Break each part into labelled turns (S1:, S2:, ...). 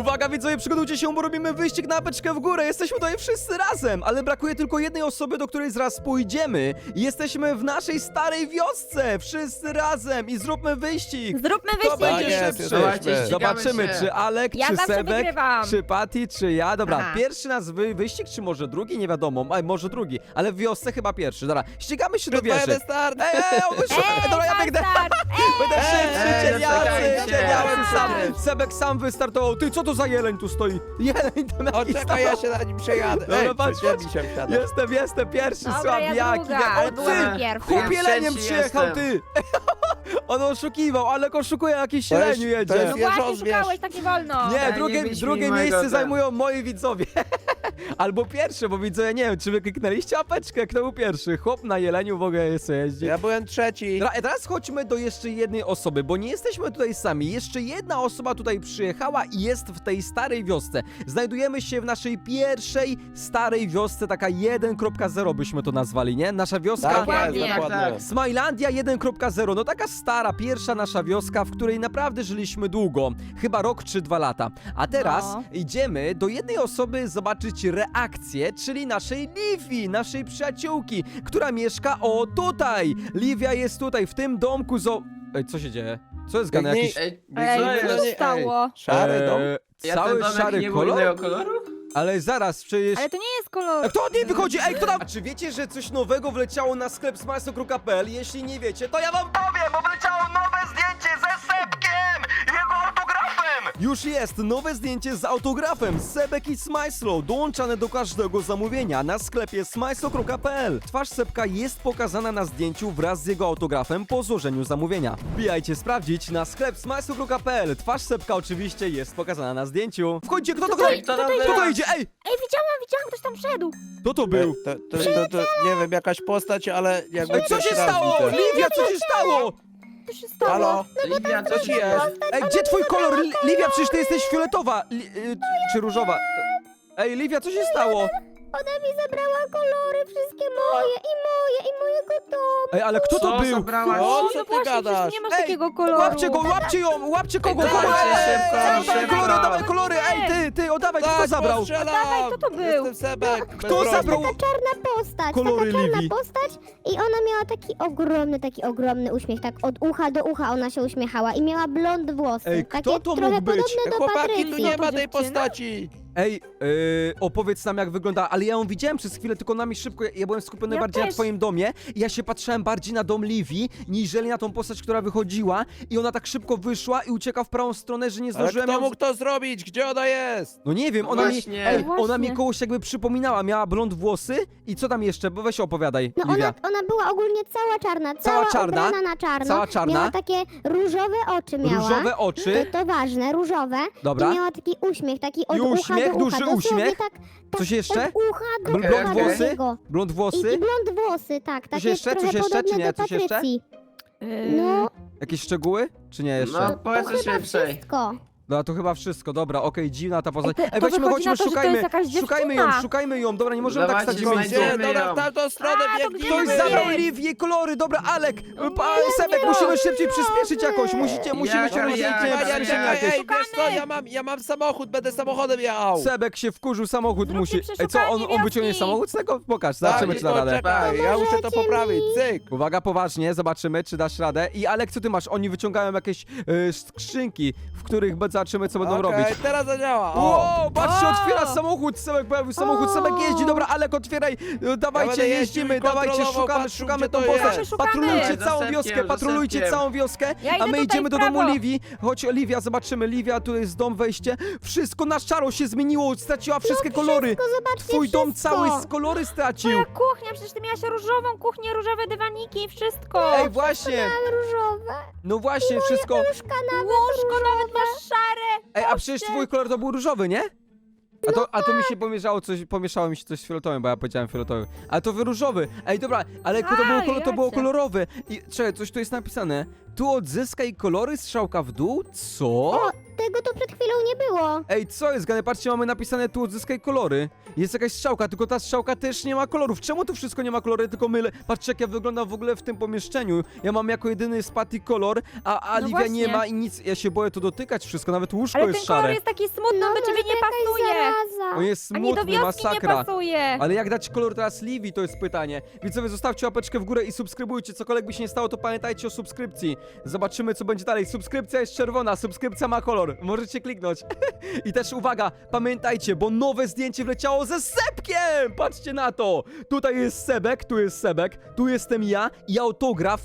S1: Uwaga, widzowie, przygotujcie się, bo robimy wyścig na apeczkę w górę. Jesteśmy tutaj wszyscy razem, ale brakuje tylko jednej osoby, do której zaraz pójdziemy. I jesteśmy w naszej starej wiosce, wszyscy razem i zróbmy wyścig.
S2: Zróbmy
S1: Kto
S2: wyścig!
S1: będzie
S3: jest,
S1: szybszy?
S3: jesteśmy.
S1: Zobaczymy,
S4: się.
S1: czy Alek,
S2: Ja
S1: czy
S2: zawsze
S1: Sebek,
S2: wygrywam.
S1: czy Patty, czy ja. Dobra,
S2: Aha.
S1: pierwszy nas wyścig, czy może drugi? Nie wiadomo, może drugi, ale w wiosce chyba pierwszy. Dobra, ścigamy się do wieży.
S3: start!
S1: Dobra, ja biegnę. Będę szybszy,
S4: czekajcie.
S1: cieniałem sam. Sebek sam wystartował. Ty, co to za jeleń tu stoi? Jeleń tam
S3: O,
S1: jakiś
S3: czekaj, ja się na nim przejadę.
S1: Dobra, patrz,
S3: przyczepi się wsiada.
S1: Jestem pierwszy,
S2: Dobra,
S1: słabiaki.
S2: ja druga, ale
S1: O
S2: byłam
S1: ty,
S2: pierwsza.
S1: chłop
S4: Ja
S1: jeleniem
S4: trzeci
S1: przyjechał,
S4: jestem.
S1: ty. On oszukiwał, ale oszukuje jakiś
S3: To jest-
S1: jeleniu
S3: to
S1: jedzie.
S3: jest
S2: No właśnie,
S3: wieżozwierz.
S2: szukałeś, tak nie wolno.
S1: Nie,
S4: nie
S1: drugie
S4: wyśmiej
S1: miejsce
S4: mojego
S1: zajmują moi widzowie. Albo pierwsze, bo widzowie, nie wiem, czy wy kliknęliście apeczkę, kto był pierwszy. Chłop na jeleniu w ogóle jest jeździ.
S3: Ja byłem trzeci.
S1: Teraz chodźmy do jeszcze jednej osoby, bo nie jesteśmy tutaj sami. Jeszcze jedna osoba tutaj przyjechała i jest w tej starej wiosce. Znajdujemy się w naszej pierwszej starej wiosce, taka 1.0 byśmy to nazwali, nie? Nasza wioska...
S3: Tak
S2: Dokładnie.
S3: jest, dokładnie.
S4: Tak.
S1: Smilandia 1.0, no taka stara, pierwsza nasza wioska, w której naprawdę żyliśmy długo, chyba rok czy 2 lata. A teraz
S2: No.
S1: idziemy do jednej osoby zobaczyć reakcję, czyli naszej Livi, naszej przyjaciółki, która mieszka tutaj. Livia jest tutaj, w tym domku Ej, co się dzieje? Co jest grane?
S3: Biegnij.
S1: Jakiś...
S2: Ej,
S4: Co
S2: co się
S4: jest?
S2: stało?
S3: Szary dom.
S4: Ja
S1: Cały
S4: ten domek
S1: szary
S4: nie był
S1: kolor?
S4: innego koloru?
S1: Ale zaraz, przecież...
S2: Ale to nie jest kolor.
S1: Kto od niej wychodzi? Ej, kto tam? A czy wiecie, że coś nowego wleciało na sklep smajsokru.pl? Jeśli nie wiecie, to ja wam powiem, bo wleciało nowe zdjęcie ze Sebkiem i jego autografem! Już jest nowe zdjęcie z autografem Sebek i Smajslo, dołączane do każdego zamówienia na sklepie smajsokru.pl. Twarz Sebka jest pokazana na zdjęciu wraz z jego autografem po złożeniu zamówienia. Wbijajcie sprawdzić na sklep smajsokru.pl. Twarz Sebka oczywiście jest pokazana na zdjęciu. Wchodźcie, kto to
S4: Ej, kto tam
S1: Kto to
S4: był?
S1: idzie? Ej,
S2: Ej, widziałam, ktoś tam wszedł.
S1: kto to był?
S3: To, nie wiem, jakaś postać, ale jakby
S1: Ej, co
S3: pierwszy
S1: się
S3: raz
S1: stało?
S3: widzę.
S1: Livia, co się stało?
S2: Co się stało?
S3: Halo?
S4: Livia, co
S3: Co ci
S4: ci
S3: jest?
S1: Ej, gdzie twój kolor? Livia, przecież ty jesteś fioletowa. Czy różowa? Ej, Livia, co się stało?
S2: Ona mi zabrała kolory, wszystkie moje i mojego domu.
S1: Ej, ale kto to
S4: Co
S1: był?
S4: zabrałaś?
S3: O,
S2: No
S3: co ty
S2: właśnie,
S3: gadasz?
S2: przecież nie masz
S1: Ej,
S2: takiego koloru.
S1: Łapcie go, łapcie ją, łapcie kogo?
S4: Dawajcie,
S1: Kogo?
S4: szybko,
S1: Dawaj
S4: szybko.
S1: kolory, dawaj kolory. Ej, ty, oddawaj, kto to zabrał?
S3: postrzelam!
S2: Dawaj, kto to był?
S3: Jestem Sebek.
S1: Kto zabrał?
S5: Czarna postać,
S1: Kolory
S5: taka czarna
S1: Livii.
S5: postać i ona miała taki ogromny uśmiech, tak od ucha do ucha ona się uśmiechała i miała blond włosy.
S1: Ej,
S5: takie
S1: kto to
S5: trochę
S1: mógł być?
S5: podobne do
S3: Chłopaki, tu
S5: Patrycji.
S3: nie ma tej
S2: dziewczyna?
S3: postaci.
S1: Ej, opowiedz nam jak wygląda, ale ja ją widziałem przez chwilę, tylko na mi szybko, ja byłem skupiony
S2: Ja
S1: bardziej na
S2: też.
S1: twoim domie i ja się patrzyłem bardziej na dom Livii, niżeli na tą postać, która wychodziła i ona tak szybko wyszła i ucieka w prawą stronę, że nie
S3: Ale
S1: zdążyłem
S3: kto
S1: ją...
S3: mógł to zrobić? Gdzie ona jest?
S1: No nie wiem,
S4: No
S1: ona mi,
S4: właśnie.
S1: ej,
S2: Właśnie.
S1: ona mi kogoś jakby przypominała, miała blond włosy i co tam jeszcze, bo weź opowiadaj,
S5: No
S1: Livia.
S5: ona była ogólnie cała czarna,
S1: Cała
S5: cała
S1: czarna?
S5: ubrana na czarno.
S1: Cała czarna?
S5: Miała takie różowe oczy miała.
S1: Różowe oczy,
S5: To ważne, różowe.
S1: Dobra.
S5: I miała taki uśmiech, taki od
S1: I
S5: ucha
S1: uśmiech,
S5: do ucha.
S1: duży
S5: dosłownie
S1: uśmiech?
S5: Tak,
S1: Coś jeszcze?
S5: Od ucha do
S1: Blond
S5: ucha
S1: włosy?
S5: drugiego.
S1: Blond
S5: I
S1: włosy,
S5: blond włosy, tak. Takie
S1: jeszcze?
S5: trochę
S1: Coś jeszcze, czy
S5: podobne
S1: nie?
S5: do
S1: Coś jeszcze?
S5: Patrycji.
S2: Yy,
S5: No,
S1: jakieś szczegóły, czy nie jeszcze?
S4: No, powiedz
S5: to
S4: coś
S5: chyba
S4: więcej.
S5: wszystko.
S1: No to chyba wszystko, dobra, okej, dziwna ta postać.
S2: Ej, to
S1: Weźmy,
S2: wychodzi
S1: chodźmy,
S2: na to, że to
S1: szukajmy,
S2: jest jakaś dziewczyna.
S1: szukajmy ją, dobra, nie możemy tak
S4: Dawajcie,
S1: stać w miejscu.
S4: znajdziemy.
S3: Gdzie? Dobra,
S4: ją.
S3: w tamtą stronę
S2: A, to
S3: biegnij.
S1: Ktoś
S2: Nie.
S1: zabrał Livię kolory, dobra, Alek, Sebek, musimy szybciej przyspieszyć jakoś, musimy
S4: Ja,
S1: ściągnąć
S4: ja,
S1: szybciej,
S4: ja,
S1: przyspieszenie
S3: Czekaj,
S1: jakieś.
S3: ej, wiesz co, ja mam samochód, będę samochodem jechał.
S1: Sebek się wkurzył, samochód
S2: Zróbcie
S1: musi... Ej, co, on
S2: przeszukanie
S1: wyciągnie
S2: wioski.
S1: samochód z tego? Pokaż, zobaczymy, czy da radę.
S3: Czekaj, ja muszę to
S5: Pomożecie
S3: poprawić,
S5: mi?
S3: cyk.
S1: Uwaga, poważnie, zobaczymy, czy dasz radę. I Alek, co ty masz? Oni wyciągają jakieś skrzynki, w których zobaczymy, co będą robić.
S3: Okej, teraz zadziała. O.
S1: Wow, patrzcie,
S2: O!
S1: otwiera samochód, Sebek pojawił samochód, Sebek jeździ, dobra, Alek, otwieraj, dawajcie,
S3: będę jeździł
S1: jeździmy,
S3: i
S1: dawajcie,
S3: kontrolował,
S1: szukamy,
S3: patrzył,
S1: szukamy
S3: gdzie
S1: tą
S3: to
S1: postać,
S2: jest.
S1: patrolujcie
S4: Za
S1: całą
S4: Sebkiem,
S1: wioskę,
S4: za
S1: patrolujcie
S4: Sebkiem.
S1: całą wioskę,
S2: Ja idę
S1: a my
S2: tutaj
S1: idziemy
S2: w
S1: do domu
S2: prawo.
S1: Livii, chodź Livia, zobaczymy, Livia, tu jest dom, wejście, wszystko na szaro się zmieniło, straciła wszystkie kolory,
S5: Wszystko, zobaczcie,
S1: twój dom
S5: wszystko.
S1: cały z kolory stracił,
S2: Moja kuchnia, przecież ty miałaś różową kuchnię, różowe dywaniki, wszystko.
S1: ej, właśnie,
S5: Różowe.
S1: no właśnie, wszystko,
S5: Łóżka nawet
S2: Łóżko nawet masz szare.
S1: ej, a przecież twój kolor to był różowy, nie? A to mi się pomieszało mi się coś z fioletowym, bo ja powiedziałem fioletowy. Ale to różowy. Ej, dobra, ale to było
S4: racja.
S1: kolorowe. I czekaj, coś tu jest napisane. Tu odzyskaj kolory, strzałka w dół? Co?
S5: Tego to przed chwilą nie było.
S1: Ej, co jest, Gane? Patrzcie, mamy napisane tu odzyskaj kolory. Jest jakaś strzałka, tylko ta strzałka też nie ma kolorów. Czemu tu wszystko nie ma kolory, tylko mylę? Patrzcie, jak ja wyglądam w ogóle w tym pomieszczeniu. Ja mam jako jedyny Spati kolor, a
S4: No
S1: Livia nie
S4: właśnie.
S1: ma i nic. Ja się boję to dotykać wszystko, nawet łóżko
S4: Ale
S1: jest
S4: ten kolor
S1: szare.
S4: jest taki smutny, on do ciebie
S5: może
S4: nie
S5: to jakaś
S4: pasuje.
S5: zaraza.
S1: On jest
S4: A nie do
S1: smutny,
S4: wioski nie
S1: masakra.
S4: pasuje.
S1: Ale jak dać kolor teraz Livii, to jest pytanie. Widzowie, zostawcie łapeczkę w górę i subskrybujcie. Cokolwiek by się nie stało, to pamiętajcie o subskrypcji. Zobaczymy, co będzie dalej. Subskrypcja jest czerwona, subskrypcja ma kolor. Możecie kliknąć. I też uwaga, pamiętajcie, bo nowe zdjęcie wleciało ze Sebkiem! Patrzcie na to! Tutaj jest Sebek, tu jest Sebek, tu jestem ja i autograf.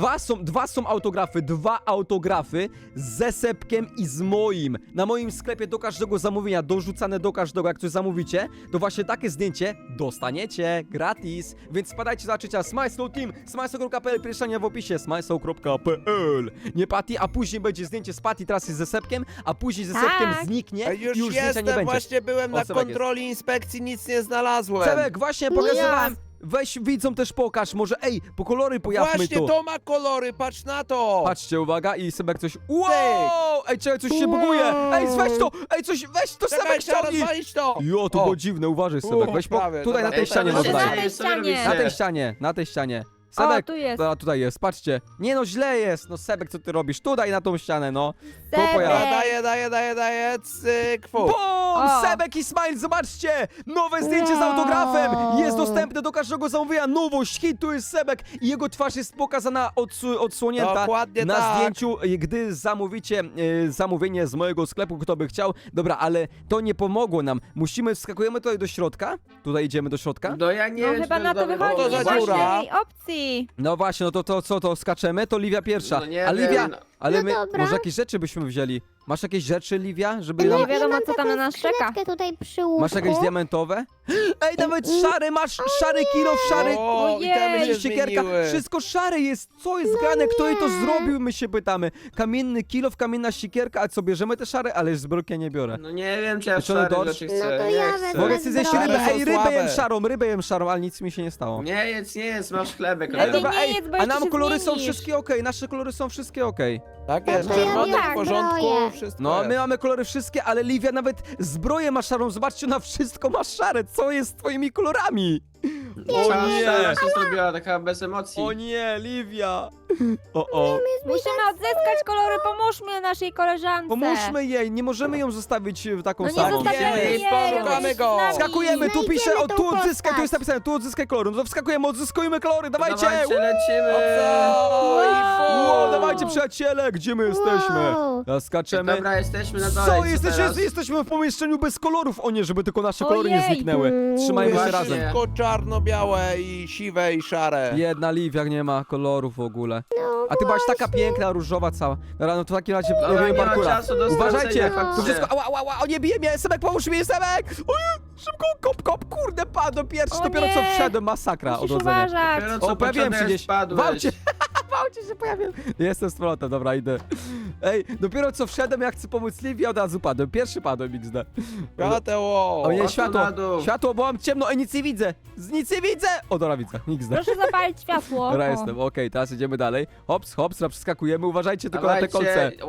S1: Dwa są autografy, dwa autografy ze Sebkiem i z moim. Na moim sklepie do każdego zamówienia, dorzucane do każdego, jak coś zamówicie, to właśnie takie zdjęcie dostaniecie gratis. Więc spadajcie za czycia Smajslow Team, smajslow.pl, pierwszania w opisie, smajslow.pl. Nie Patty, a później będzie zdjęcie z Patty, teraz jest ze Sebkiem, a później ze Sebkiem
S4: Tak.
S1: zniknie
S3: Ej,
S1: i
S3: już
S1: już zdjęcia
S3: jestem,
S1: nie będzie.
S3: właśnie byłem
S1: O,
S3: na
S1: Sebek
S3: kontroli inspekcji, nic nie znalazłem.
S1: Sebek, właśnie pokazywałem. Weź widzom też pokaż, może ej, po kolory pojawmy
S3: Właśnie
S1: to.
S3: to ma kolory, patrz na to.
S1: Patrzcie, uwaga, i Sebek coś. Wow! Ej, czekaj, coś się buguje! Ej, weź to! Ej, coś, weź to,
S3: Czekaj,
S1: Sebek
S3: trzeba
S1: ściągnij!
S3: rozwalić to.
S1: Jo, to
S3: O.
S1: było dziwne, uważaj, Sebek. Weź
S3: prawie,
S1: tutaj na
S3: dobra.
S1: tej ścianie
S4: może
S1: może
S4: na
S1: daj.
S4: tej ścianie.
S1: Na tej ścianie, na tej ścianie. Sebek,
S4: tu jest.
S1: dobra, tutaj jest, patrzcie. Nie no, źle jest. No Sebek, co ty robisz? Tu daj na tą ścianę, no. To
S4: Sebek.
S1: pojawia.
S3: Daję, cyk, fu.
S1: Bum!
S4: O.
S1: Sebek i Smile, zobaczcie! Nowe zdjęcie z autografem! Jest dostępne do każdego zamówienia. Nowość, hit, tu jest Sebek i jego twarz jest pokazana odsłonięta
S3: Dokładnie
S1: na
S3: tak.
S1: zdjęciu, gdy zamówicie zamówienie z mojego sklepu, kto by chciał. Dobra, ale to nie pomogło nam. Wskakujemy tutaj do środka. Tutaj idziemy do środka.
S6: No ja nie
S4: No
S6: wiem,
S4: chyba
S6: czy
S4: na to
S6: dobry
S4: wychodzi,
S3: to
S4: nie
S3: za
S4: ma
S3: dziura.
S4: innej opcji.
S1: No właśnie, no to co, to skaczemy? To Livia pierwsza.
S6: No nie
S1: A Livia,
S6: wiem, no.
S1: ale
S5: No
S1: my,
S5: dobra.
S1: może jakieś rzeczy byśmy wzięli? Masz jakieś rzeczy, Livia, żeby
S4: Nie
S1: nam...
S4: wiadomo,
S5: mam
S4: co tam na
S5: taką
S4: nas czeka.
S5: skrzyneczkę tutaj przy łóżku.
S1: Masz jakieś diamentowe? Ej, nawet szary masz, szary kilo, szary...
S3: O, i
S4: Ojej.
S3: temy się
S1: Siekierka,
S3: zmieniły.
S1: wszystko szare jest, co jest grane, kto jej to zrobił, my się pytamy. Kamienny kilof, kamienna siekierka, a co, bierzemy te szare? Ale zbrojkę nie biorę.
S6: No nie wiem, czy ja
S1: Czy one
S6: szary
S1: dorsz?
S6: rzeczy
S5: No
S6: chcę,
S5: to
S6: nie
S5: ja
S6: chcę.
S5: wezmę
S1: Mogę sobie zjeść
S5: zbroję.
S1: rybę, ej,
S3: Są
S1: rybę jem szarą, ale nic mi się nie stało.
S6: Nie jedz, masz chlebek.
S1: Ej,
S4: Ale
S6: Ej,
S1: dobra,
S4: nie
S1: ej,
S4: jedz, bo
S1: a
S4: jeszcze
S1: nam
S4: się
S1: kolory są
S4: zmienisz.
S1: wszystkie okej, nasze kolory są wszystkie okej.
S3: Tak jest,
S5: to ja
S3: czerwony
S5: tak,
S3: w porządku,
S5: zbroję.
S3: wszystko
S1: No,
S3: jest.
S1: my mamy kolory wszystkie, ale Livia nawet zbroję ma szarą, zobaczcie, na wszystko ma szare, co jest z twoimi kolorami? O
S6: Cała
S1: nie,
S6: szara się zrobiła, taka bez emocji.
S1: o nie, Livia. O.
S4: Musimy odzyskać kolory, pomóżmy naszej koleżance.
S1: Pomóżmy jej, nie możemy ją zostawić taką
S4: No nie
S1: samą.
S4: zostawiamy
S3: Jej,
S4: jej,
S3: pomagamy
S4: musisz
S3: go.
S4: z nami.
S1: Skakujemy, tu pisze,
S5: Znajdziemy
S1: o
S5: tą
S1: tu odzyskaj, tu
S5: postać.
S1: jest napisane, tu odzyskaj kolory, no to wskakujemy, odzyskujmy kolory, dawajcie!
S6: Dawajcie, lecimy.
S3: Oj, fu.
S1: Wow, dawajcie przyjaciele, gdzie my jesteśmy?
S5: Wow.
S1: Ja skaczemy.
S6: Dobra, jesteśmy na dole.
S1: Co,
S6: teraz?
S1: jesteśmy w pomieszczeniu bez kolorów, o nie, żeby tylko nasze kolory nie
S4: Ojej.
S1: zniknęły. Trzymajmy się
S6: Właśnie.
S1: razem.
S3: Wszystko czarno-białe i siwe i szare.
S1: Jedna Livia nie ma kolorów w ogóle.
S5: No
S1: A ty byłaś taka piękna, różowa cała. Dobra, no to w takim razie
S6: Dobra,
S1: robimy
S6: nie ma
S1: parkura.
S6: czasu do
S1: Uważajcie,
S6: stracenia,
S1: to
S6: faktycznie.
S1: wszystko, ała, o nie bije mnie, Sebek, pomóż mi, Sebek! Ojej, szybko, kop, kurde, padłem pierwszy,
S4: O
S1: dopiero co
S4: nie.
S1: wszedłem, masakra,
S4: Musisz
S1: odrodzenie.
S4: uważać.
S6: Dopiero co
S1: O, pojawiłem się
S6: początek
S1: gdzieś.
S6: spadłeś.
S1: Wałcie. Wałcie się pojawiłem. Jestem z powrotem, dobra, idę. Ej, dopiero co wszedłem, ja chcę pomóc Livii, od razu padłem. Pierwszy padłem, XD.
S3: Świateło.
S1: O nie,
S6: tu
S1: światło,
S6: na dół.
S1: światło, bo mam ciemno, nic nie widzę. Nic nie widzę. O, dobra, widzę, XD.
S4: Proszę zapalić światło.
S1: Dobra,
S4: O.
S1: jestem, okej, teraz idziemy dalej. Hops, przeskakujemy, uważajcie tylko na te kolce.
S6: Dawajcie,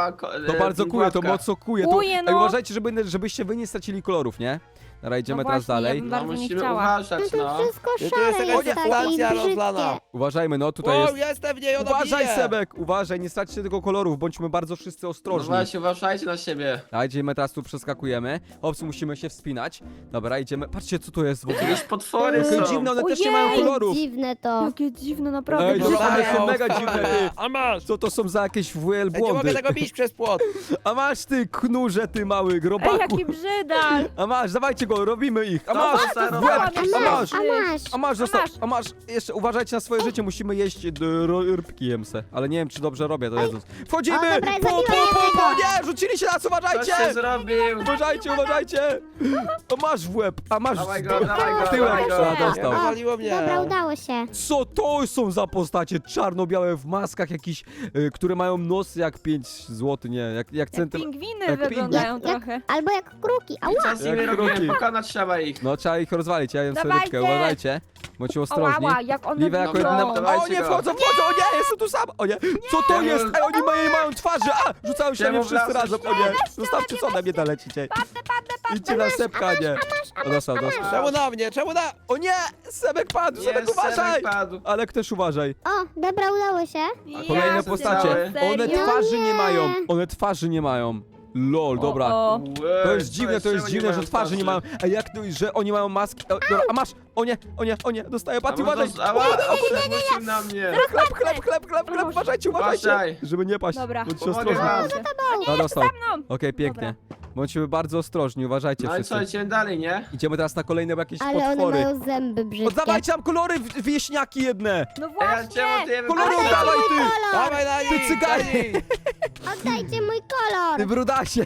S1: To bardzo kuje, to mocno kuje.
S4: Kuje,
S1: Ej,
S4: no.
S1: uważajcie, żebyście wy nie stracili kolorów, nie? Dobra, idziemy
S4: No
S1: teraz
S4: właśnie,
S1: dalej.
S4: ja bym
S6: No
S4: bardzo nie
S6: musimy
S4: chciała.
S6: uważać,
S5: No to
S6: no.
S5: wszystko
S3: Tu jest
S5: szare
S3: jakaś
S5: jest takie i
S3: stacja
S5: brzydkie.
S3: rozlana.
S1: Uważajmy, no tutaj
S3: O,
S1: jest.
S3: jestem w niej, ona
S1: Uważaj,
S3: bije.
S1: Sebek, uważaj, nie straćcie tego kolorów, bądźmy bardzo wszyscy
S6: No
S1: ostrożni.
S6: właśnie, uważajcie na siebie.
S1: A idziemy teraz tu przeskakujemy. Hops, musimy się wspinać. Dobra, idziemy. Patrzcie, co to jest w ogóle.
S6: Jakieś potwory
S1: Jakie
S6: są.
S1: dziwne, one też nie
S4: Ojej.
S1: mają kolorów.
S5: Dziwne to.
S4: Jakie dziwne, naprawdę.
S1: Ej,
S4: brzydkie.
S1: one są
S3: Dostają.
S1: mega dziwne, ty.
S3: A masz.
S1: Co to są za jakieś
S3: Ja nie mogę
S1: wielbłądy?
S3: tego bić przez płot.
S1: A masz ty, knurze, ty mały
S4: Ej,
S1: grobaku.
S4: jaki brzydal.
S1: A masz, dawajcie go, robimy ich. A
S6: Dobra,
S1: masz,
S6: stara,
S1: w
S6: dobra.
S1: łeb, a masz.
S5: A masz.
S1: Zostaw,
S4: masz.
S1: a masz, jeszcze uważajcie na swoje życie, musimy jeść rybki jemse, ale nie wiem, czy dobrze robię to jedząc. Wchodzimy!
S5: dobra, zabiłam jednego.
S1: Nie, rzucili się nas,
S6: Coś
S1: uważajcie!
S6: się zrobił!
S1: Uważajcie, uważajcie! O, masz w łeb, a masz
S6: Dawaj go, dawaj go,
S1: tyłek.
S6: dawaj go.
S1: A, dostał.
S3: Wywaliło mnie.
S5: Dobra, udało się.
S1: Co to są za postacie? Czarno-białe w maskach jakiś, które mają nos jak 5 zł, nie, jak
S4: Jak
S1: centymetr.
S4: pingwiny
S1: jak
S4: wyglądają
S5: Jak-
S4: trochę.
S5: Albo jak kruki.
S6: I
S5: Ała!
S6: co z nimi
S1: Jak
S6: robimy?
S1: kroki.
S6: Pokonać trzeba ich.
S1: No trzeba ich rozwalić, ja jem
S4: Dawajcie!
S1: sereczkę, uważajcie. Bądźcie ostrożni.
S4: Ała, jak one
S1: Liwe jako
S6: Dobra,
S1: jedyne...
S6: dawajcie
S1: O nie,
S6: go.
S1: wchodzą, o nie, jestem tu sam! O nie, co to
S6: Nie.
S1: jest? Ej, oni mają twarze! A, rzucają się na mnie
S6: Czemu
S1: wszyscy
S6: wracasz?
S1: razem, o nie! Zostawcie, co na mnie dolecicie. Idźcie na Sebka, nie. O, dostał.
S3: Czemu na mnie? Czemu na...
S1: O nie, Sebek padł, Sebek
S6: Jest,
S1: uważaj!
S6: Sebek padł.
S1: Alek też uważaj.
S5: O, dobra, udało się.
S1: Kolejne
S4: Ja
S1: postacie.
S6: serio?
S1: One
S4: Serio?
S1: twarzy nie
S5: Nie.
S1: mają. One twarzy nie mają. Lol, dobra.
S4: O,
S1: To jest dziwne,
S6: czemu
S1: że twarzy nie mają. A jak to, że oni mają maski? O, dobra, a masz! O nie, dostaję Patty, uważaj!
S6: Musimy na mnie.
S1: Chleb, uważajcie!
S6: Uważaj.
S1: Żeby nie paść,
S4: Dobra.
S1: bądźcie
S6: Pomogę
S1: ostrożni.
S6: wam.
S1: A, dostał.
S4: mną.
S1: Okej, pięknie. Bądźmy bardzo ostrożni, uważajcie
S6: No i co,
S1: wszyscy.
S6: idziemy dalej, nie?
S1: Idziemy teraz na kolejne jakieś
S5: Ale one
S1: potwory.
S5: mają zęby brzydkie.
S1: Oddawajcie nam kolory wieśniaki jedne!
S4: No
S6: Ej, a czemu
S4: właśnie!
S6: ty je
S1: Kolory
S6: wybrałeś?
S1: oddawaj ty!
S3: Dawaj na nich!
S1: cyganie!
S5: Oddajcie mój
S1: Ty
S5: kolor.
S1: brudasie!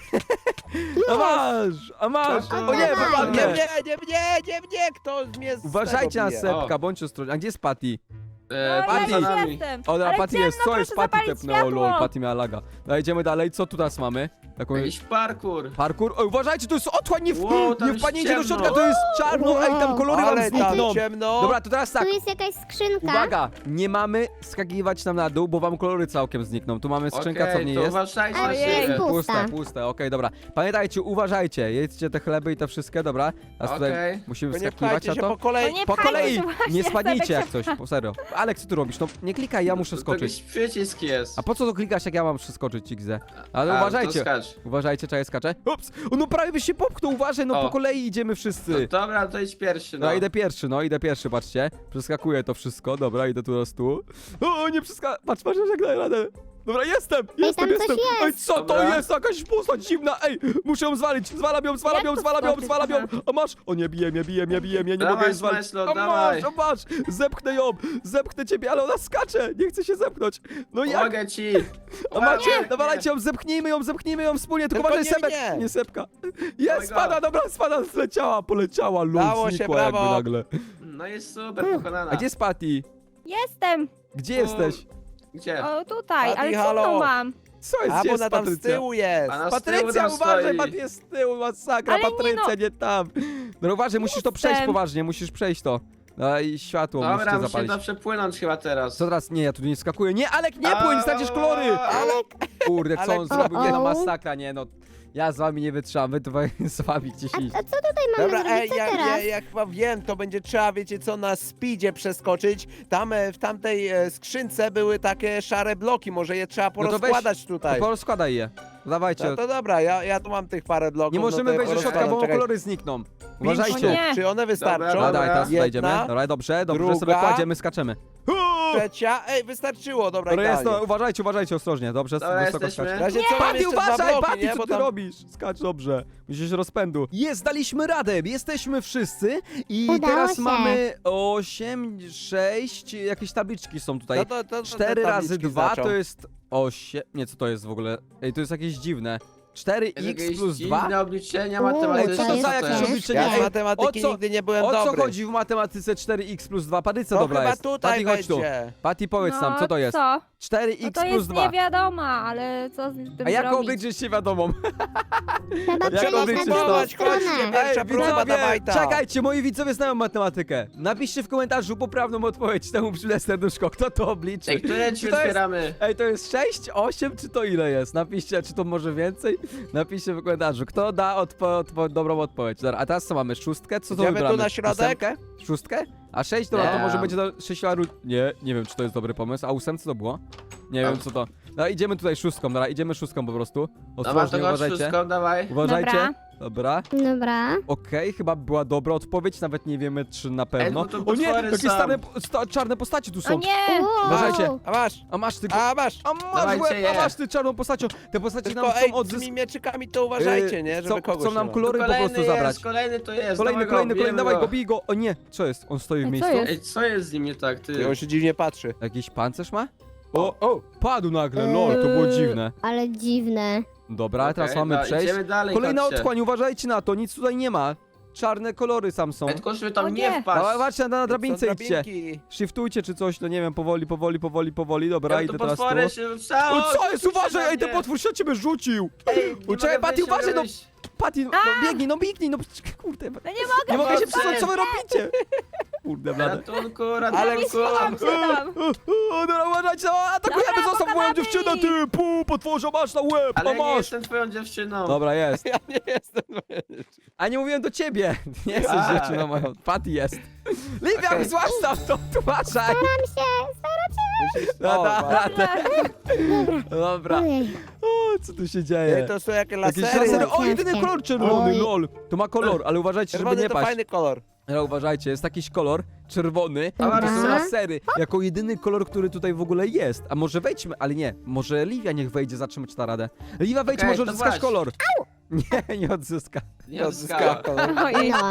S1: A masz!
S6: To
S1: O nie,
S5: dawaj.
S1: wypadnie!
S3: Nie mnie! Kto mnie z
S1: Uważajcie
S3: tego
S1: na
S3: bije?
S1: Sebka, bądźcie ostrożni. A gdzie jest Patty?
S4: No,
S1: Patty.
S4: ja
S6: Za
S4: już
S6: nami.
S4: jestem.
S1: O, dobra,
S4: Ale
S1: Patty
S4: ciemno,
S1: jest, co jest?
S4: proszę
S1: Patty
S4: zapalić
S1: tepnęło, lol,
S4: światło.
S1: Patty miała laga. No, idziemy dalej, co tu teraz mamy? Taką...
S6: Jakiś parkour.
S1: Parkour? O, uważajcie, to jest otchłań,
S6: Wow, tam
S1: nie
S6: jest
S1: wpadnijcie do
S6: ciemno.
S1: środka, to jest czarno, ej, tam kolory wam
S3: Ale tam
S1: znikną.
S3: ciemno!
S1: Dobra, to teraz tak,
S5: Tu jest jakaś skrzynka.
S1: uwaga, nie mamy skakiwać nam na dół, bo wam kolory całkiem znikną. Tu mamy skrzynka, co w niej
S6: to
S1: jest.
S6: uważajcie
S5: Ale
S6: na
S5: jest
S6: siebie.
S5: pusta.
S1: Puste, okej, dobra. Pamiętajcie, uważajcie, jedzcie te chleby i te wszystkie, dobra? Teraz tutaj
S6: Okej.
S1: musimy
S3: To nie
S1: wskakiwać
S3: pchajcie
S1: na
S3: się
S1: to.
S3: po kolei.
S4: No nie
S1: Po
S4: pchajcie
S1: kolei,
S4: się właśnie,
S1: nie spadnijcie
S4: Sebek
S1: jak coś, po serio. Alek, co ty robisz? No nie klikaj, ja muszę
S6: To
S1: skoczyć.
S6: jakiś przycisk jest.
S1: A po co to klikasz, jak ja mam przeskoczyć, XZ? Ale
S6: A, to
S1: uważajcie.
S6: skacz.
S1: Uważajcie, czekaj, skaczę. Ups! No prawie byś się popchnął, uważaj, no
S6: O.
S1: po kolei idziemy
S6: No
S1: wszyscy.
S6: dobra, to idź pierwszy, no.
S1: No idę pierwszy, patrzcie. Przeskakuję to wszystko, dobra, idę tu raz tu. O, nie patrz, jak daję radę. Dobra, jestem!
S5: tam coś jest.
S1: Ej, co to
S6: Dobra.
S1: jest? Jakaś postać dziwna! Ej, muszę ją zwalić! Zwalam ją!
S4: Jak to skoczyć?
S1: A masz! O nie, bije mnie, nie
S6: Dawaj,
S1: mogę jej zwalić.
S6: Smajslo,
S1: A
S6: dawaj.
S1: masz! Zepchnę ją! Zepchnę ciebie, ale ona skacze! Nie chce się zepchnąć! No jak?
S6: Pomogę ci.
S1: A macie!
S6: Nie.
S1: Dawajcie ją, zepchnijmy ją wspólnie, tylko
S3: Tylko
S1: uważaj,
S3: nie
S1: Sebek!
S3: mnie.
S1: Nie Sebka!
S6: Dawaj
S1: Jest,
S6: go.
S1: spada, dobra, spada, zleciała, poleciała, luz,
S3: Dało się,
S1: znikła jakby
S3: brawo.
S1: nagle.
S6: No jest super, pokonana.
S1: A gdzie jest Patty?
S4: Jestem.
S1: Gdzie jesteś?
S6: Gdzie?
S4: O, tutaj,
S3: Patty,
S4: ale co
S3: halo.
S4: mam?
S1: Co jest?
S3: A
S1: Gdzie
S3: bo
S1: jest
S3: ona tam z
S1: Patrycja?
S3: tyłu jest!
S6: A na z tyłu
S1: Patrycja,
S6: tam
S1: uważaj,
S6: stoi.
S1: Patty jest z tyłu, masakra,
S4: Ale nie
S1: Patrycja,
S4: no.
S1: nie tam. No uważaj, musisz to przejść
S4: Jestem.
S1: poważnie, musisz przejść to. No i światło
S6: Dobra,
S1: musicie
S6: musimy
S1: zapalić.
S6: to przepłynąć chyba teraz.
S1: Co teraz? Nie, ja tu nie skakuję. Nie, Alek, nie płyń, stracisz kolory! Kurde, co on
S3: Alek,
S1: zrobił? Nie no,
S5: o.
S1: masakra, nie no. Ja z wami nie wytrzymam, wy tutaj z wami gdzieś iść.
S5: A co tutaj mamy
S3: Dobra,
S5: zrobić?
S3: ej,
S5: Co
S3: ja
S5: teraz?
S3: chyba wiem, to będzie trzeba, wiecie co, na speedzie przeskoczyć. Tam w tamtej skrzynce były takie szare bloki, może je trzeba
S1: No to weź,
S3: porozkładać tutaj.
S1: To porozkładaj je. Dawajcie.
S3: No to dobra, ja tu mam tych parę bloków.
S1: Nie
S3: no
S1: możemy
S3: to
S1: wejść do środka,
S3: porozkładam,
S1: bo
S3: czekaj.
S1: kolory znikną.
S3: Pięć
S1: Uważajcie.
S3: sztuk.
S4: Nie.
S3: Czy one wystarczą?
S6: Dobra,
S1: Dawaj, teraz
S3: Jedna,
S1: wejdziemy. Dobra, dobrze,
S3: druga.
S1: sobie kładziemy, skaczemy.
S3: Trzecia, ej, wystarczyło, dobra,
S1: Dobra, jest,
S3: idealnie.
S1: no, uważajcie ostrożnie, dobrze,
S6: Dobra,
S1: wysoko
S6: jesteśmy.
S1: skacz.
S3: W razie co, mam
S1: Patty,
S3: jeszcze dwa
S1: uważaj,
S3: bloki,
S1: Patty,
S3: nie?
S1: co
S3: Bo
S1: ty
S3: tam...
S1: robisz? Skacz dobrze, musisz rozpędu. Jest, daliśmy radę, jesteśmy wszyscy i
S5: Udało
S1: teraz
S5: się.
S1: mamy 8, 6, jakieś tabliczki są tutaj.
S3: No to
S1: 4
S3: te
S1: razy
S3: tabliczki
S1: 2
S3: zaczął.
S1: to jest 8, nie, co to jest w ogóle? Ej, to jest jakieś dziwne. 4x plus 2?
S6: Dziwne obliczenia
S5: Ej,
S1: Ej,
S6: matematyczne.
S1: co to za jakieś
S5: jest?
S1: obliczenie?
S3: Ja z
S1: Ej,
S3: matematyki
S1: o co-
S3: nigdy nie byłem
S1: o co
S3: dobry.
S1: chodzi w matematyce 4x plus 2? Patty, co
S3: To
S1: dobra
S3: chyba
S1: jest?
S3: tutaj
S1: Patty, chodź tu.
S3: będzie.
S1: Patty, powiedz
S4: No,
S1: nam, co to jest?
S4: Co?
S1: 4x
S4: No to
S1: plus
S4: jest
S1: 2.
S4: nie wiadomo, ale co z tym
S1: A jak
S4: zrobić?
S1: obliczyć się wiadomą?
S5: Trzeba
S1: Jak
S5: przejść
S1: obliczyć
S5: na
S1: to?
S5: drugą
S3: Chodźcie,
S5: stronę.
S3: pierwsza próba, dawaj to.
S1: czekajcie, moi widzowie znają matematykę. Napiszcie w komentarzu poprawną odpowiedź temu przyle serduszko. Kto to obliczy?
S6: Ej, które
S1: Czy
S6: drzwi
S1: to jest-
S6: otwieramy?
S1: Ej, to jest 6, 8, czy to ile jest? Napiszcie, czy to może więcej? Napiszcie w komentarzu, kto da dobrą odpowiedź. Dobra, a teraz co mamy? Szóstkę? Co to
S3: Idziemy tu
S1: wybramy?
S3: na środek?
S1: Ósemkę? Szóstkę? A 6? Dobra, to
S6: Nie.
S1: może będzie do 6 nie wiem, czy to jest dobry pomysł. A 8 co to było? Nie wiem, co to. Dobra, idziemy tutaj szóstką, dobra, idziemy szóstką po prostu.
S6: Dobra,
S1: Ostrożnie,
S6: to chodź
S1: uważajcie.
S6: wszystko, dawaj.
S1: Uważajcie. Dobra.
S5: Dobra.
S1: Okej, chyba była dobra odpowiedź, nawet nie wiemy, czy na pewno.
S6: no to
S1: O nie,
S6: potwory
S1: jakie
S6: są.
S1: czarne postacie tu
S4: O
S1: są.
S4: nie!
S5: Wow.
S1: Uważajcie.
S3: A masz,
S1: A masz ty...
S3: a masz.
S1: A masz
S6: Dawajcie
S1: łeb, a
S6: je.
S1: masz ty czarną postacią. Te postacie nam
S3: Tylko
S1: chcą
S3: ej, z
S1: odzyskać.
S3: tymi mieczykami to uważajcie, nie? Żeby kogoś
S1: Chcą nam
S3: nie ma.
S1: kolory po
S6: Kolejny
S1: prostu zabrać.
S6: jest, kolejny to jest.
S1: Kolejny,
S6: dawaj go,
S1: kolejny,
S6: bijemy
S1: dawaj
S6: go.
S1: go, bij go. O nie, co jest? On stoi w
S4: Ej, co
S1: miejscu.
S4: jest?
S6: Ej, co jest z nim nie tak, ty?
S3: I on się dziwnie patrzy.
S1: Jakiś pancerz ma? O, padł nagle, lol, to było dziwne.
S5: Ale dziwne.
S1: Dobra, teraz
S6: Okej,
S1: mamy
S6: no,
S1: przejść.
S6: Idziemy dalej,
S1: Kolejna
S6: chodźcie.
S1: otchłań, uważajcie na to, nic tutaj nie ma. Czarne kolory sam są.
S6: Ej, tylko żeby tam
S4: O
S6: nie
S4: nie.
S6: wpaść.
S1: Zobaczcie, na drabince
S3: Są
S1: idźcie.
S3: drabinki.
S1: Shiftujcie czy coś, no nie wiem, powoli. Dobra,
S6: Ej,
S1: idę
S6: to
S1: teraz tu.
S6: potwory się rzucało.
S1: O, co jest?
S6: rzucił się
S1: Uważaj,
S6: na
S1: ej, ten
S6: mnie.
S1: potwór się ciebie rzucił.
S6: Ej, nie
S1: Czekaj,
S6: mogę
S1: Patty,
S6: wyjść, nie
S1: uważaj,
S6: mogę
S1: no.
S6: wyjść.
S1: Patty, no biegnij, no kurde.
S4: No nie mogę,
S1: Nie mogę się
S6: Boże.
S1: przesunąć, co wy robicie? Kurde, blade.
S6: Ratunku,
S3: Ale
S6: ratunku.
S4: schowam się tam.
S1: O, dobra, uważajcie, o, atakujemy,
S4: Dobra,
S1: zostaw moją
S4: pokonamy
S1: dziewczynę,
S4: ich.
S1: ty, potworze, masz na łeb,
S6: Ale
S1: a
S6: ja nie
S1: masz.
S6: jestem twoją dziewczyną.
S1: Dobra, jest.
S3: Ja nie jestem.
S1: A nie mówiłem do ciebie. Nie jesteś
S6: A.
S1: dziewczyną moją. Patty jest. Livia,
S3: Okej.
S1: zostaw to, uważaj.
S5: Staram się,
S3: Musisz...
S1: No,
S3: O,
S1: da,
S3: właśnie.
S1: radę. Dobra.
S5: Ojej.
S1: O, co tu się
S3: Ej,
S1: dzieje?
S3: to są jakieś
S1: Jakieś
S3: lasery.
S1: lasery. O,
S5: Ciężkie.
S1: jedyny kolor czerwony,
S5: Oj.
S1: lol. To ma kolor, ale uważajcie, żeby
S3: Czerwony
S1: nie
S3: to
S1: paść.
S3: fajny kolor.
S1: Ale uważajcie, jest jakiś kolor czerwony,
S5: Dobra.
S1: to są lasery. Jako jedyny kolor, który tutaj w ogóle jest. A może wejdźmy, ale nie. Może Livia niech wejdzie, zobaczymy czy da radę. Livia, wejdź,
S6: Okej,
S1: może
S6: to
S1: odzyskasz
S6: właśnie.
S1: kolor. Nie odzyska.
S6: Nie
S3: odzyskała
S6: odzyskała.
S3: kolor.
S4: Ojej.
S5: No.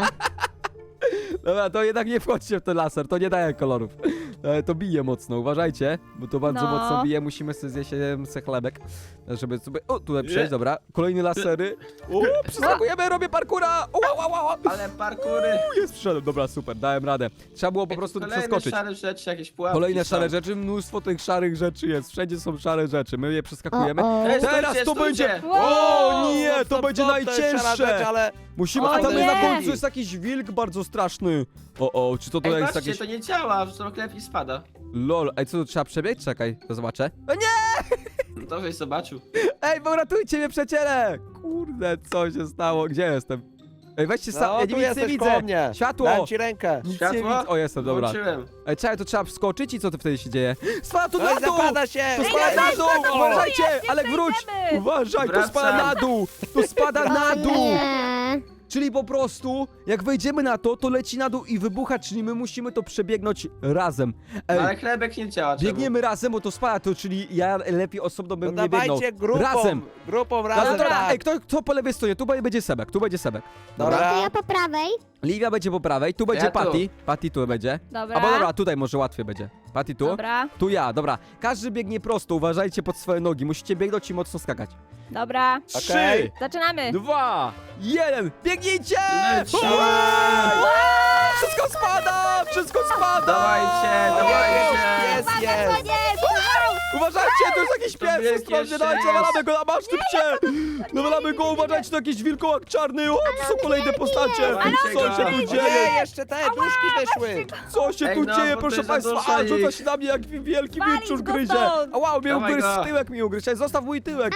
S1: Dobra, to jednak nie wchodźcie w ten laser, to nie daje kolorów. To bije mocno, uważajcie, bo to bardzo
S4: No.
S1: mocno bije, musimy sobie zjeść se chlebek, żeby sobie... O, tutaj przejść, dobra. Kolejne lasery. O, przeskakujemy, robię parkura! Ła.
S6: Ale parkury.
S1: Jest, przyszedłem, dobra, super, dałem radę. Trzeba było po prostu
S6: Kolejne
S1: przeskoczyć.
S6: szare rzeczy, jakieś pułapki
S1: Kolejne
S6: są.
S1: szare rzeczy, mnóstwo tych szarych rzeczy jest, wszędzie są szare rzeczy, my je przeskakujemy.
S5: O, o.
S6: Ej,
S1: Teraz
S6: stójcie,
S1: to
S6: stójcie.
S1: będzie...
S4: Wow.
S1: O nie,
S3: Stop,
S1: to
S3: stop,
S1: będzie
S3: stop, to jest szara rzecz,
S1: najcięższe!
S3: ale...
S1: Musimy,
S4: O
S1: a tam
S4: nie.
S1: na końcu jest jakiś wilk bardzo straszny. O, czy to
S6: Ej,
S1: jest
S6: patrzcie,
S1: jakieś...
S6: to nie działa, że to chleb i spada.
S1: Lol, ej, co, tu trzeba przebiec? Czekaj, to zobaczę. O nie!
S6: No to żeś zobaczył.
S1: Ej, bo ratujcie mnie, przyjaciele! Kurde, co się stało? Gdzie jestem? Ej, weźcie sam,
S3: No,
S1: ja
S3: tu
S1: nic nie
S3: jesteś
S1: widzę!
S3: koło mnie.
S1: Światło!
S3: Dałem ci rękę.
S1: Nic nie
S6: Światło?
S1: widzę. O, jestem, dobra.
S6: Włączyłem.
S1: Ej, czekaj, to trzeba wskoczyć i co to wtedy się dzieje? Spada tu
S3: Oj,
S1: na dół!
S3: zapada się!
S1: To spada na dół! Uważajcie!
S4: jest,
S1: Ale
S4: jeszcze
S1: wróć!
S4: idziemy.
S1: Uważaj, to
S6: Wracam.
S1: spada na dół! To spada na
S5: O
S1: dół!
S5: nie.
S1: Czyli po prostu, jak wejdziemy na to, to leci na dół i wybucha, czyli my musimy to przebiegnąć razem.
S6: No, ale
S1: Ej,
S6: chlebek nie działa. czemu?
S1: biegniemy razem, bo to spada, to czyli ja lepiej osobno
S3: No
S1: bym nie biegnął.
S3: dawajcie grupą.
S1: Razem!
S3: Grupą
S1: No
S3: razem,
S1: dobra,
S3: tak.
S1: ej, kto po lewej stronie? Tu będzie Sebek, tu będzie Sebek. Dobra.
S3: Dobra.
S5: To ja po prawej.
S1: Livia będzie po prawej, tu będzie
S6: Ja tu.
S1: Patty. Patty tu będzie.
S4: Dobra.
S1: Albo dobra, tutaj może łatwiej będzie. Patty tu.
S4: Dobra,
S1: Tu ja, dobra. Każdy biegnie prosto, uważajcie pod swoje nogi. Musicie biegnąć i mocno skakać.
S4: dobra.
S1: 3,
S3: Okej.
S4: Zaczynamy.
S1: 2, 1, biegnijcie!
S6: Lecimy!
S1: Ua! Wszystko spada! Wszystko spada!
S6: Dawajcie, dawajcie!
S3: Jest,
S4: Uwaga,
S3: jest.
S4: koniec!
S1: Uważajcie, to jest jakiś
S6: To
S1: pies,
S6: wielkie
S1: ostrożnie, dajcie,
S6: szczęście.
S1: nawalamy go na masz, typcie! Nawalamy go, uważajcie, to jakiś wilkołak czarny, o, to są kolejne postacie!
S6: Ale
S1: Co
S6: on
S1: się tu
S6: wielki.
S1: dzieje?
S3: Nie, jeszcze te duszki wyszły.
S1: Co się
S6: Ej,
S1: tu
S6: no,
S1: dzieje,
S6: bo to
S1: proszę
S6: jest za
S1: państwa?
S6: dużo
S1: A, rzuca
S6: ich.
S1: się na mnie jak wielki
S4: Walić
S1: wilczur
S4: go
S1: gryzie!
S4: stąd.
S1: A wow, mnie
S6: Dawaj
S1: ugryzł,
S6: go.
S1: tyłek mi ugryźł, ej, zostaw mój tyłek!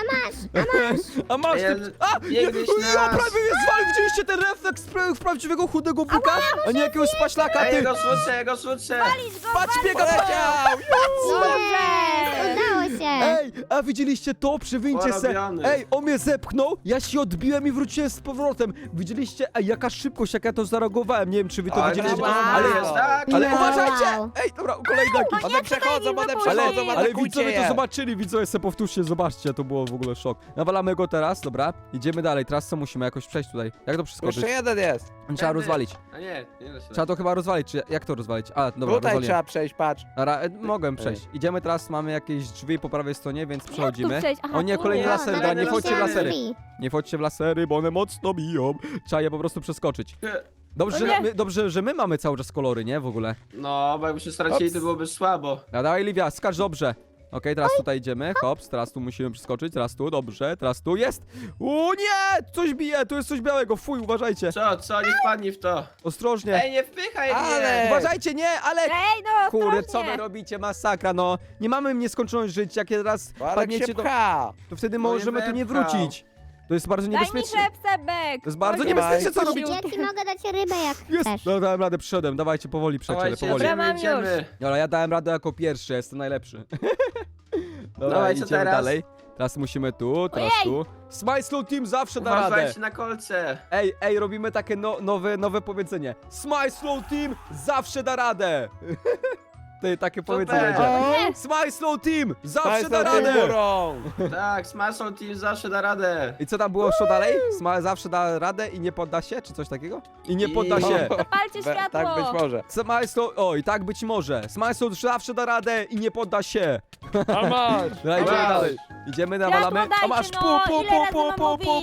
S1: A masz,
S6: Ej,
S1: ty... A!
S6: biegniesz
S1: Ja
S6: nas.
S1: prawie mnie zwalił, widzieliście ten refleks prawdziwego chudego buka? A nie jakiegoś spaślaka,
S6: Ej,
S1: ty!
S6: jego słyszę, jego słyszę!
S1: Patrz, biega,
S3: Poleciał.
S4: Dobrze.
S5: Udało się.
S1: Ej, a widzieliście to? Przywincie se.
S6: Porobiony.
S1: Ej, on mnie zepchnął, ja się odbiłem i wróciłem z powrotem. Widzieliście? Ej, jaka szybkość, jak ja to zareagowałem. Nie wiem, czy wy to
S6: Oj,
S1: widzieliście.
S3: brawo.
S1: Ale,
S6: jest, tak?
S1: ale
S5: Wow.
S1: uważajcie! Ej, dobra, kolejny jakiś.
S3: One przechodzą, one
S4: wypuścić.
S3: przechodzą,
S1: Ale
S3: atakujcie
S1: widzowie to
S3: je.
S1: zobaczyli, widzowie se powtórzcie, zobaczcie, to było w ogóle szok. Nawalamy go teraz, dobra, idziemy dalej, teraz co musimy jakoś przejść tutaj? Jak to przeskoczyć?
S3: Jeszcze jeden jest.
S1: Trzeba
S6: Tędy.
S1: rozwalić.
S6: A nie da się.
S1: Trzeba to chyba rozwalić, czy jak to rozwalić? A, dobra,
S3: Tutaj
S1: rozwaliłem.
S3: trzeba przejść, patrz.
S1: Dobra, mogłem przejść. Idziemy teraz, mamy jakieś drzwi po prawej stronie, więc przechodzimy.
S4: przejść? Aha,
S1: O nie,
S4: tu.
S1: kolejny
S6: O,
S1: laser,
S6: kolejne
S1: dobra, nie wchodźcie w
S6: lasery.
S1: lasery. Nie wchodźcie w lasery, bo one mocno biją. Trzeba je po prostu przeskoczyć. Dobrze,
S4: O nie.
S1: dobrze, że my mamy cały czas kolory, nie? W ogóle.
S6: No, bo jakbyśmy stracili,
S1: Ops.
S6: to byłoby słabo.
S1: A dawaj, Livia, skacz dobrze. Okej, teraz tutaj idziemy, hops, teraz tu musimy przeskoczyć, teraz tu, dobrze, teraz tu, jest! O nie! Coś bije, tu jest coś białego, fuj, uważajcie.
S6: Co, nie wpadnij w to.
S1: Ostrożnie.
S6: Ej, nie wpychaj
S3: Ale-
S6: mnie!
S1: Uważajcie, nie, ale...
S4: Ej, no,
S1: Kurde,
S4: ostrożnie.
S1: co wy robicie, masakra, no. Nie mamy nieskończoność żyć, jak teraz
S3: Alek się
S1: padniecie,
S3: pcha.
S1: to wtedy
S6: No nie
S1: możemy tu nie
S6: wepchał.
S1: wrócić. To jest bardzo
S4: Daj mi
S1: niebezpieczne.
S4: szepsebek.
S1: To jest bardzo
S4: Chodź,
S1: niebezpieczne, co
S3: Daj.
S1: robicie.
S5: Ja ci mogę dać rybę jak
S1: Jest!
S5: chcesz.
S1: No, dałem radę, przyszedłem, dawajcie powoli, przyjaciele,
S6: Dawajcie,
S1: powoli.
S4: Dobra, mam
S6: idziemy.
S1: Dobra, ja dałem radę jako pierwszy, jestem najlepszy. Dobra,
S6: Dawaj, co
S1: idziemy
S6: teraz?
S1: dalej. Teraz musimy tu, teraz tu. Smile Slow Team zawsze da radę.
S6: Uważajcie na kolce.
S1: Ej, robimy takie nowe powiedzenie. Smile Slow Team zawsze da radę. Ty, takie
S6: Super.
S1: powiedzenie będzie.
S3: O,
S1: Smile Slow Team! Zawsze
S3: Państwo
S1: da
S3: tym
S1: radę!
S3: górą.
S6: Tak, Smash Team zawsze da radę.
S1: I co tam było jeszcze dalej? Smile zawsze da radę i nie podda się, czy coś takiego? I nie podda się.
S4: Zapalcie światło.
S3: Tak być może.
S1: Smile Slow... Oj, tak być może. Smile Slow zawsze da radę i nie podda się.
S3: A masz.
S1: Dobra, idziemy
S6: Wow.
S1: dalej. Idziemy, nawalamy.
S4: dajcie,
S1: A masz
S4: no, ile razy mam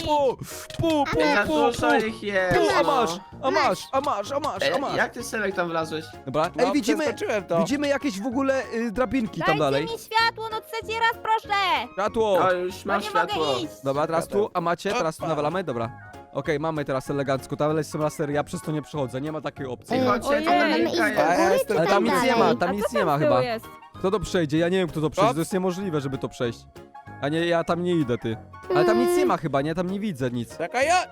S6: Za dużo ich jest.
S1: A
S6: no.
S1: masz, a masz, a masz, a masz, a masz.
S6: Jak ty, Sebek, tam wlazłeś?
S1: Dobra,
S3: No,
S1: ej,
S3: przeskoczyłem to.
S1: widzimy jakieś w ogóle drabinki tam
S4: Dajcie
S1: dalej.
S4: mi światło, no trzeci raz proszę.
S1: Światło.
S6: O, już
S4: No
S6: masz
S4: nie
S6: światło.
S4: mogę iść.
S1: Dobra, teraz tu, a macie, teraz tu
S3: Opa.
S1: nawalamy, dobra. Okej, mamy teraz elegancko, tam są lasery, ja przez to nie przechodzę, nie ma takiej opcji.
S6: Chodźcie,
S4: Ojej.
S6: to
S5: Ale mamy
S6: drabinka
S5: iść do
S6: jest.
S3: A ja
S5: góry,
S3: jestem
S5: czy
S1: Ale
S5: tam
S1: tam nic nie
S5: dalej?
S1: ma, tam
S4: A
S1: nic
S4: co
S1: nie ma
S4: tam z tyłu
S1: chyba.
S4: jest?
S1: Kto to przejdzie? Ja nie wiem, kto to przejdzie, to jest niemożliwe, żeby to przejść. A nie, ja tam nie idę, ty. Ale tam nic nie ma chyba, nie? Tam nie widzę nic.
S3: Czekaj, ja.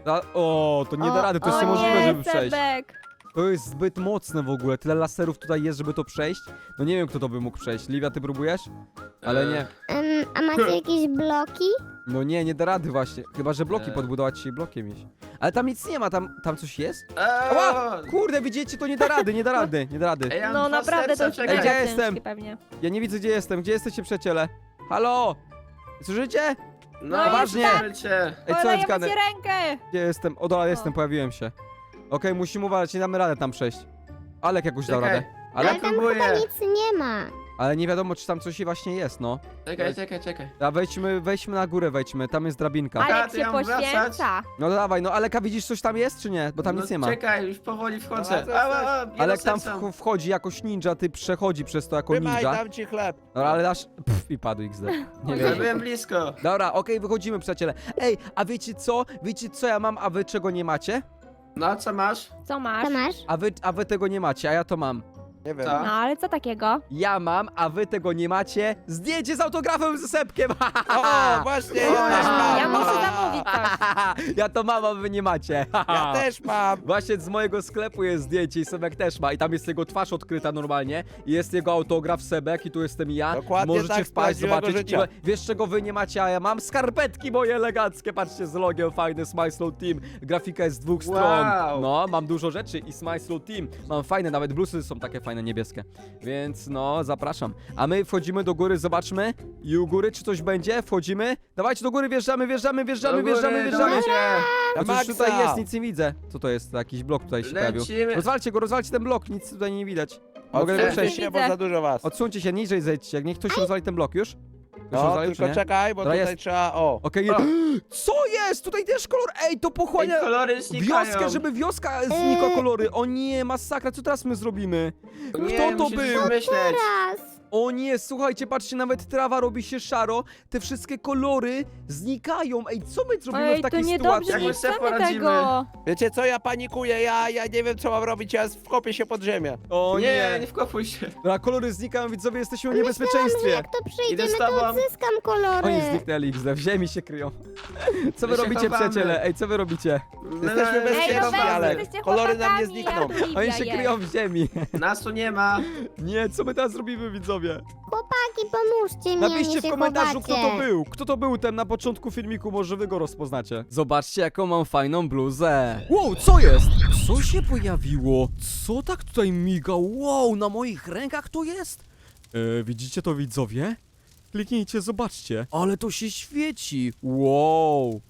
S1: O, to nie da
S5: O,
S1: rady, to jest
S5: o
S1: niemożliwe,
S4: nie,
S1: żeby przejść.
S4: Sebek.
S1: To jest zbyt mocne w ogóle, tyle laserów tutaj jest, żeby to przejść. No nie wiem, kto to by mógł przejść. Livia, ty próbujesz? Ale nie.
S5: A macie jakieś bloki?
S1: No nie, nie da rady właśnie. Chyba, że bloki
S6: Eee.
S1: podbudować się i blokiem iść. Ale tam nic nie ma, tam coś jest?
S6: Eee,
S1: Ała! Kurde, widzicie, to nie da rady, nie da rady, nie da rady.
S6: Ej, ja mam
S4: No
S6: dwa
S4: naprawdę to
S6: serca,
S4: już
S6: czekaj.
S1: Ej, gdzie
S4: mega
S1: jestem?
S4: ciężkie pewnie.
S1: Ja nie widzę, gdzie jestem. Gdzie jesteście, przyjaciele? Halo? Słyszycie?
S6: No,
S1: Poważnie.
S6: cię.
S1: Ej, co jest
S4: Podajemy
S1: grane?
S4: ci rękę.
S1: Gdzie jestem? O, dobra, jestem, pojawiłem się. Okej, musimy uważać, nie damy radę tam przejść. Alek jakoś dał
S6: Czekaj.
S1: radę. Ale,
S5: Ale tam
S6: próbuję.
S5: chyba nic nie ma.
S1: ale nie wiadomo, czy tam coś właśnie jest, no.
S6: Czekaj.
S1: A wejdźmy na górę, wejdźmy, tam jest drabinka.
S6: Ale-
S4: Alek
S6: ty
S4: się
S6: ją wracać?
S4: poświęca.
S1: No dawaj, no Aleka, widzisz, coś tam jest, czy nie? Bo tam
S6: No,
S1: nic nie ma.
S6: Czekaj, już powoli wchodzę.
S3: Dobra,
S6: Ała,
S1: Alek tam
S6: serca.
S1: wchodzi jakoś ninja, ty przechodzi przez to jako
S3: Trzymaj,
S1: ninja.
S3: dam ci chleb.
S1: Dobra, ale dasz... Pff, i padł XD. Nie
S6: Ja
S1: wiem.
S6: byłem blisko.
S1: Dobra, okej, wychodzimy, przyjaciele. Ej, a wiecie co? Wiecie co ja mam, a wy czego nie macie?
S6: No, a co masz?
S4: Co masz?
S5: Co masz?
S1: A wy tego nie macie, a ja to mam.
S3: Nie wiem.
S6: Co?
S4: No ale co takiego?
S1: Ja mam, a wy tego nie macie. Zdjęcie z autografem ze Sepkiem.
S3: O, właśnie, ja też mam.
S4: Ja muszę zamówić coś.
S1: Ja to mam, a wy nie macie.
S3: Ja też mam.
S1: Właśnie z mojego sklepu jest zdjęcie i Sebek też ma i tam jest jego twarz odkryta normalnie i jest jego autograf Sebek i tu jestem ja.
S3: Dokładnie
S1: Możecie
S3: tak, z
S1: wpaść,
S3: prawdziwego
S1: zobaczyć.
S3: życia.
S1: Wiesz czego wy nie macie, a ja mam? Skarpetki moje eleganckie, patrzcie z logiem, fajne Smile Slow Team. Grafika jest z dwóch
S6: Wow.
S1: stron. No, mam dużo rzeczy i Smile Slow Team. Mam fajne, nawet blusy są takie fajne, niebieskie. Więc no, zapraszam. A my wchodzimy do góry, zobaczmy. I u góry czy coś będzie? Wchodzimy. Dawajcie do góry, wjeżdżamy.
S6: Do góry,
S1: Wjeżdżamy.
S6: dawajcie.
S3: Na
S1: Chociaż
S3: maksa.
S1: tutaj jest, nic nie widzę. Co to jest? Jakiś blok tutaj się pojawił.
S6: Lecimy.
S1: Rozwalcie go, rozwalcie ten blok, nic tutaj nie widać. Mogę
S3: Odsuńcie
S1: przejść.
S3: się, bo za dużo was.
S1: Odsuńcie się, niżej zejdźcie, jak niech ktoś rozwali ten blok już. Już
S3: No,
S1: rozwalił, czy
S3: tylko
S1: nie?
S3: czekaj, bo
S1: Dobra,
S3: tutaj
S1: jest.
S3: trzeba... O.
S1: Okej,
S6: O.
S1: co jest? Tutaj też kolor, ej, to pochłania
S6: Ej, kolory znikają.
S1: wioskę, żeby wioska znikła kolory. O nie, masakra, co teraz my zrobimy?
S6: Nie,
S1: Kto to
S6: musisz
S1: był?
S6: myśleć.
S5: Raz.
S1: O nie, słuchajcie, patrzcie, nawet trawa robi się szaro, te wszystkie kolory znikają. Ej, co my zrobimy
S4: Ej,
S1: w
S4: to
S1: takiej
S4: niedobrze,
S1: sytuacji?
S4: nie
S6: Jak my sobie
S4: chcemy
S6: poradzimy?
S4: tego.
S3: Wiecie co, ja panikuję, ja nie wiem co mam robić, ja wkopię się pod ziemię.
S1: O
S6: Nie,
S1: nie,
S6: nie wkopuj się.
S1: Dobra, kolory znikają, widzowie, jesteśmy w
S5: Myślałam, że
S1: niebezpieczeństwie.
S5: jak to
S6: Idę
S5: przejdziemy,
S6: z
S5: to
S6: tobą.
S5: odzyskam kolory.
S1: Oni zniknęli, XD, w ziemi się kryją. Co wy
S6: My się
S1: robicie,
S6: chowamy.
S1: przyjaciele? Ej, co wy robicie?
S3: Jesteśmy
S6: Ej,
S3: bezpieczni,
S4: Ej, no weź,
S3: ale
S4: jesteście
S3: kolory nam nie
S4: chłopakami,
S3: znikną.
S4: ja tu Livia
S1: Oni się
S4: jest.
S1: kryją w ziemi.
S6: Nas tu nie ma.
S1: Nie, co my teraz zrobimy, widzowie?
S5: Chłopaki, pomóżcie mi,
S1: Napiszcie
S5: nie
S1: w
S5: się
S1: komentarzu, kto
S5: chowacie.
S1: to był. Kto to był ten na początku filmiku, może wy go rozpoznacie. Zobaczcie, jaką mam fajną bluzę. Wow, co jest? Co się pojawiło? Co tak tutaj miga? Wow, na moich rękach to jest? Widzicie to, widzowie? Kliknijcie, zobaczcie. Ale to się świeci. Wow.